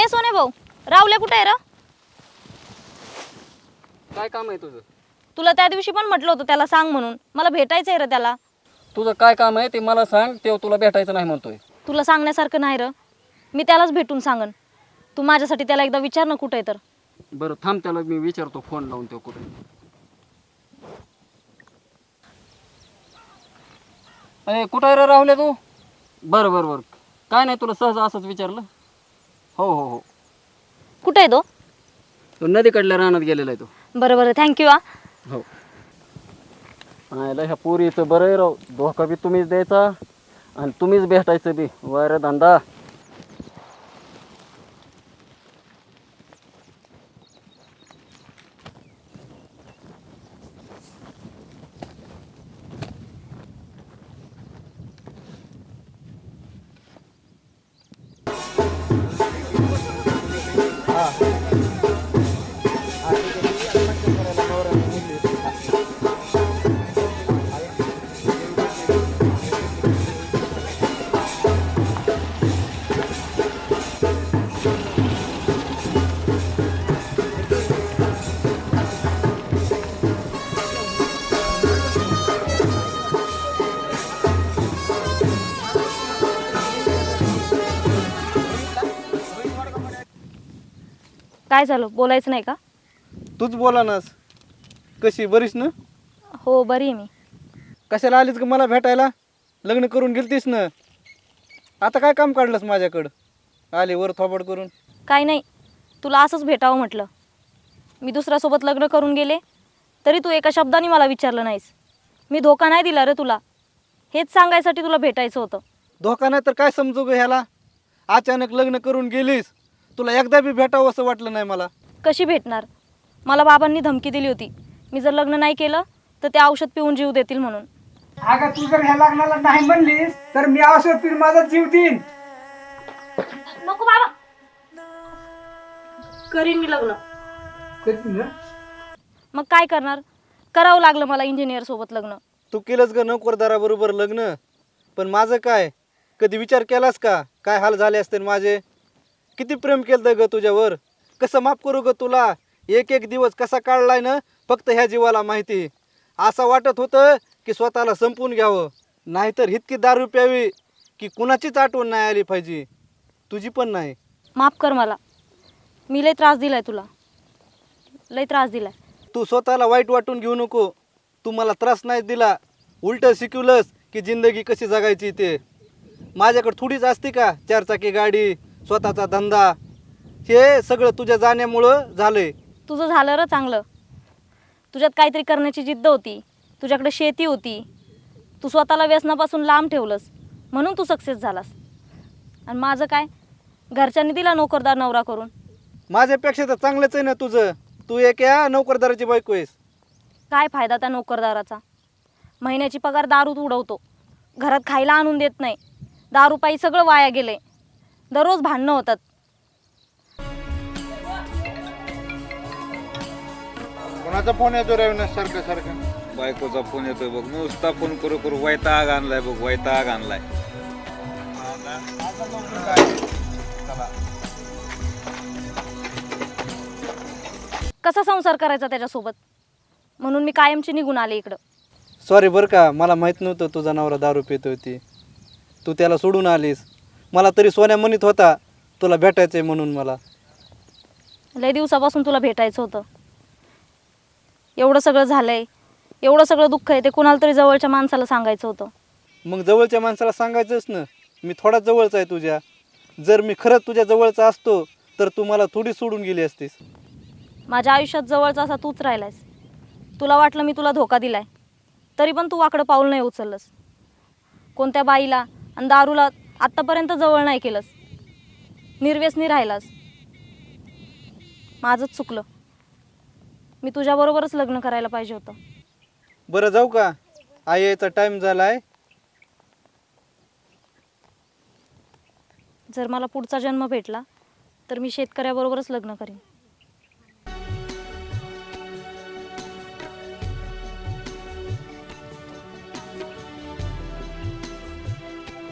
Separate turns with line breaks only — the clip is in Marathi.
ए सोने भाऊ, रावल्या कुठे आहे रे?
काय काम आहे तुझं?
तुला त्या दिवशी पण म्हटलं होतं त्याला सांग म्हणून. मला भेटायचंय रे त्याला.
तुझं काय काम आहे ते मला सांग. तेव्हा तुला भेटायचं नाही म्हणतोय.
तुला सांगण्यासारखं नाही रे. मी त्यालाच भेटून सांगन. तू माझ्यासाठी त्याला एकदा विचार ना कुठे आहे तर.
बरं थांब, त्याला मी विचारतो फोन लावून. तो कुठे? अरे कुठं आहे रे राहुल्या तू? बरं बरं बरं, काय नाही, तुला सहज असंच विचारलं. हो हो हो,
कुठे आहे तो?
तो नदीकडल्या रानात गेलेला आहे तो.
बरं बरं, थँक्यू हा.
हो. ह्या पोरीचं बरं आहे राव. धोका बी तुम्हीच द्यायचा आणि तुम्हीच भेटायचं बी. वायर धंदा.
काय झालं, बोलायचं नाही का?
तूच बोला नास. कशी, बरीच ना?
हो बरी आहे मी.
कशाला आलीस का मला भेटायला? लग्न करून गेलतीस ना. आता काय काम काढलंस माझ्याकडं आली वर थोबड करून?
काय नाही, तुला असंच भेटावं म्हटलं. मी दुसऱ्यासोबत लग्न करून गेले तरी तू एका शब्दाने मला विचारलं नाहीस. मी धोका नाही दिला रे तुला. हेच सांगायसाठी तुला भेटायचं होतं.
धोका नाही तर काय समजू ग ह्याला? अचानक लग्न करून गेलीस, तुला एकदा बी भेटावं असं वाटलं नाही मला.
कशी भेटणार? मला बाबांनी धमकी दिली होती, मी जर लग्न नाही केलं तर ते औषध पिऊन जीव देतील म्हणून.
अगं तू जर ह्या लग्नाला नाही म्हणलीस तर मी औषध पिऊन माझा जीव देईन.
नको बाबा, करीन मी लग्न.
करतील ना?
मग काय करणार? करावं लागलं मला इंजिनियर सोबत लग्न.
तू केलंस ग नोकरदाराबरोबर लग्न, पण माझं काय? कधी विचार केलास का काय हाल झाले असते माझे? किती प्रेम केलं ग तुझ्यावर. कसं माफ करू ग तुला? एक एक दिवस कसा काढलाय ना फक्त ह्या जीवाला माहिती. असं वाटत होतं की स्वतःला संपून घ्यावं, नाहीतर इतकी दारू प्यावी की कुणाचीच आठवण नाही आली पाहिजे, तुझी पण नाही.
माफ कर मला. मी लय त्रास दिलाय तुला, लय त्रास दिलाय.
तू स्वतःला वाईट वाटून घेऊ नको. तू मला त्रास नाही दिला, उलट शिकवलंस की जिंदगी कशी जगायची ते. माझ्याकडे थोडीच असते का 4 चाकी गाडी, स्वतःचा धंदा? हे सगळं तुझ्या जाण्यामुळं झालंय.
तुझं झालं र चांगलं. तुझ्यात काहीतरी करण्याची जिद्द होती, तुझ्याकडे शेती होती. तू स्वतःला व्यसनापासून लांब ठेवलंस म्हणून तू सक्सेस झालास. आणि माझं काय? घरच्यांनी दिला नोकरदार नवरा करून.
माझ्यापेक्षा तर चांगलंच आहे ना तुझं. तू एक या नोकरदाराची बायको आहेस.
काय फायदा त्या नोकरदाराचा? महिन्याची पगार दारूत उडवतो, घरात खायला आणून देत नाही. दारूपायी सगळं वाया गेलंय. दररोज भांडणं होतात.
कोणाचा फोन येतो रे सारखं सारखं?
बायकोचा फोन येतोय बघ. नुसता फोन करू करू वैताग आणलाय बघ, वैताग आणलाय.
कसा संसार करायचा त्याच्यासोबत? म्हणून मी कायमची निघून आले इकडं.
सॉरी बरं का, मला माहीत नव्हतं तुझा नवरा दारू पित होती. तू त्याला सोडून आलीस. मला तरी सोन्या म्हणत होता तुला भेटायचं आहे म्हणून. मला
लय दिवसापासून तुला भेटायचं होतं. एवढं सगळं झालंय, एवढं सगळं दुःख आहे, ते कुणाला तरी जवळच्या माणसाला सांगायचं होतं.
मग जवळच्या माणसाला सांगायचंच ना. मी थोडा जवळचा आहे तुझ्या. जर मी खरंच तुझ्या जवळचा असतो तर तू मला थोडी सोडून गेली असतीस.
माझ्या आयुष्यात जवळचा असा तूच राहिलायस. तुला वाटलं मी तुला धोका दिलाय, तरी पण तू वाकडं पाऊल नाही उचललंस. कोणत्या बाईला आणि दारूला आत्तापर्यंत जवळ नाही केलंस. निर्व्यसनी राहिलास. माझंच चुकलं. मी तुझ्याबरोबरच लग्न करायला पाहिजे होतं.
बरं जाऊ का? आई यायचा टाईम झाला आहे.
जर मला पुढचा जन्म भेटला तर मी शेतकऱ्याबरोबरच लग्न करीन.